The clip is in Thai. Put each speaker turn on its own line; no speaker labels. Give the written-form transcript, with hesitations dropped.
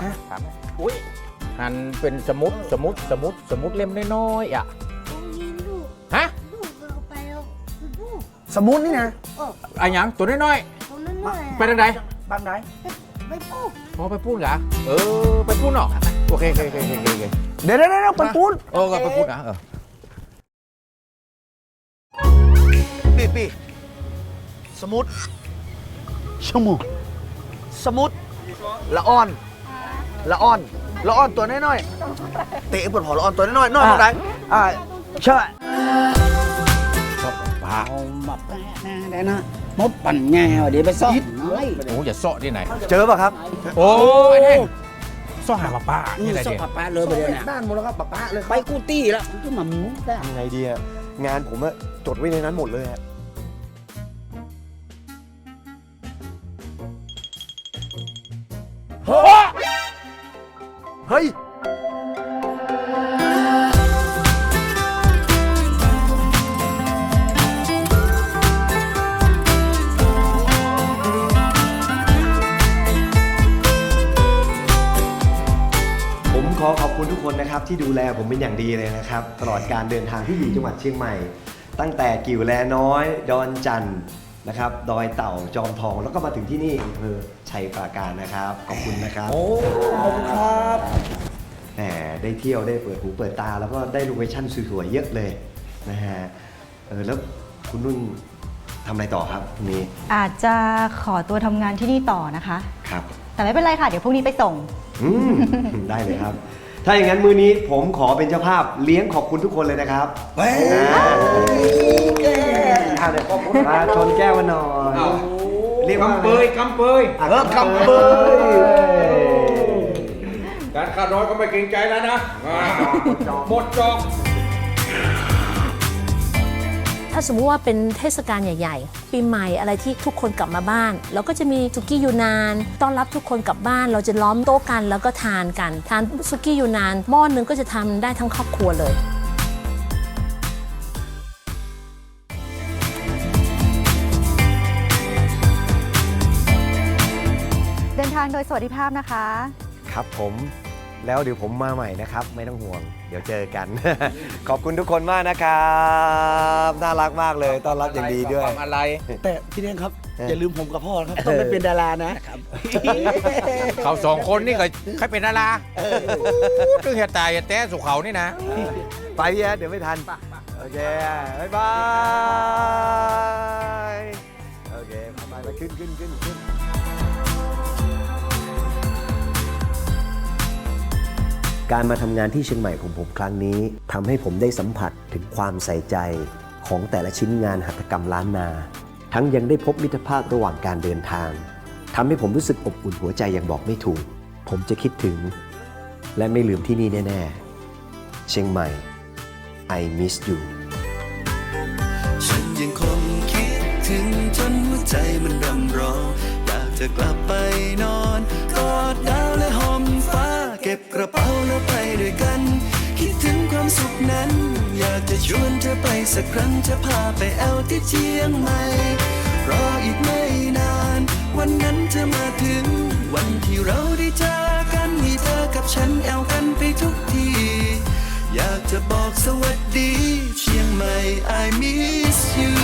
ถามอุ้ยหันเป็นสมุดเล่มน้อยๆอ่ะฮะ
สมุนนี่นะ
ไอ้หยังตัวน้อยๆไปทางใด
บ้านไหน
อ๋อไปพูดเหรอไปพูดเนาะโอเค
เดี๋ยวไปปูน
ก็ไปพูดนะ
ปีสมุดชั่วโมงสมุดละอ่อนตัวน้อยๆเตะปวดหัวละอ่อนตัวน้อยๆน้อยตรงไหนใช่
ป้า
เอามาแปะนะได้นะมดปั่นแง่เดี๋ยวไปซ่อมน้อย
โอ้อย่าเซาะที่ไหน
เจอป่ะครับ
โอ้ยแน่ซ่อหาป้านี่อะไร
ซ่อ
เดี
ม
ย
ปะเลยไปเลยนะ
ด้านหมดแล้วครับป้าเลย
ไปกูตี้แล้วก็มาหมูได้
ยังไงดีอะงานผมอะจดไว้ในนั้นหมดเลยอะ
เฮ้ย
ผมขอขอบคุณทุกคนนะครับที่ดูแลผมเป็นอย่างดีเลยนะครับ ตลอดการเดินทางที่อยู่จังหวัดเชียงใหม่ ตั้งแต่กิ่วแลน้อย ดอนจันทร์นะครับ ดอยเต่าจอมทองแล้วก็มาถึงที่นี่อำเภอชัยปราการนะครับ ขอบคุณนะครับ
ขอบคุณครับ
แหมได้เที่ยวได้เปิดหูเปิดตา แล้วก็ได้โลเคชั่นสวยๆเยอะเลยนะฮะแล้วคุณนุ่นทำอะไรต่อครับพรุ่งนี้
อาจจะขอตัวทำงานที่นี่ต่อนะคะ
ครับ
แต่ไม่เป็นไรค่ะ เดี๋ยวพรุ่งนี้ไปส่ง
ได้เลยครับ ถ้าอย่างนั้นมือนี้ผมขอเป็นเจ้าภาพเลี้ยงขอบคุณทุกคนเลยนะครับมาชนแก้วมาหน่อยเรียกว่าก
ำเปย
กำเปย
การขาดน้อยก็ไม่เกรงใจแล้วนะหมดจอก
ถ้าสมมุติว่าเป็นเทศกาลใหญ่ๆ ปีใหม่อะไรที่ทุกคนกลับมาบ้านเราก็จะมีสุกี้ยูนานต้อนรับทุกคนกลับบ้านเราจะล้อมโต๊ะกันแล้วก็ทานกันทานสุกี้ยูนานหม้อนึงก็จะทำได้ทั้งครอบครัวเลย
เดินทางโดยสวัสดิภาพนะคะ
ครับผมแล้วเดี๋ยวผมมาใหม่นะครับ ไม่ต้องห่วง เดี๋ยวเจอกัน ขอบคุณทุกคนมากนะครับน่ารักมากเลยต้อนรับอย่างดีด้วย
อะไร
แต่พี่เลี้ยงครับ อย่าลืมผมกับพ่อนะครับ ต้องไปเป็นดารานะ
เขาสองคนนี่ก็ใครเป็นดาราตึงเหตุตายเหตุแต้สุเขานี่นะ
ไปพี่แอดเดี๋ยวไม่ทัน โอเค บ๊ายบาย โอเคไปขึ้น การมาทำงานที่เชียงใหม่ของผมครั้งนี้ทำให้ผมได้สัมผัสถึงความใส่ใจของแต่ละชิ้นงานหัตถกรรมล้านนา ทั้งยังได้พบมิตรภาพระหว่างการเดินทางทำให้ผมรู้สึกอบอุ่นหัวใจอย่างบอกไม่ถูก ผมจะคิดถึง และไม่ลืมที่นี่แน่ๆ เชียงใหม่ I miss you
ฉันยังคงคิดถึงจนหัวใจมันรำร้องอยากจะกลับไปนอนกอดดาวและห่มฟ้าเก็บกระเป๋าแล้วไปด้วยกันคิดถึงความสุขนั้นอยากจะชวนเธอไปสักครั้งจะพาไปแอวที่เชียงใหม่รออีกไม่นานวันนั้นจะมาถึงวันที่เราได้เจอกันมีเธอกับฉันแอวกันไปทุกทีอยากจะบอกสวัสดีเชียงใหม่ I miss you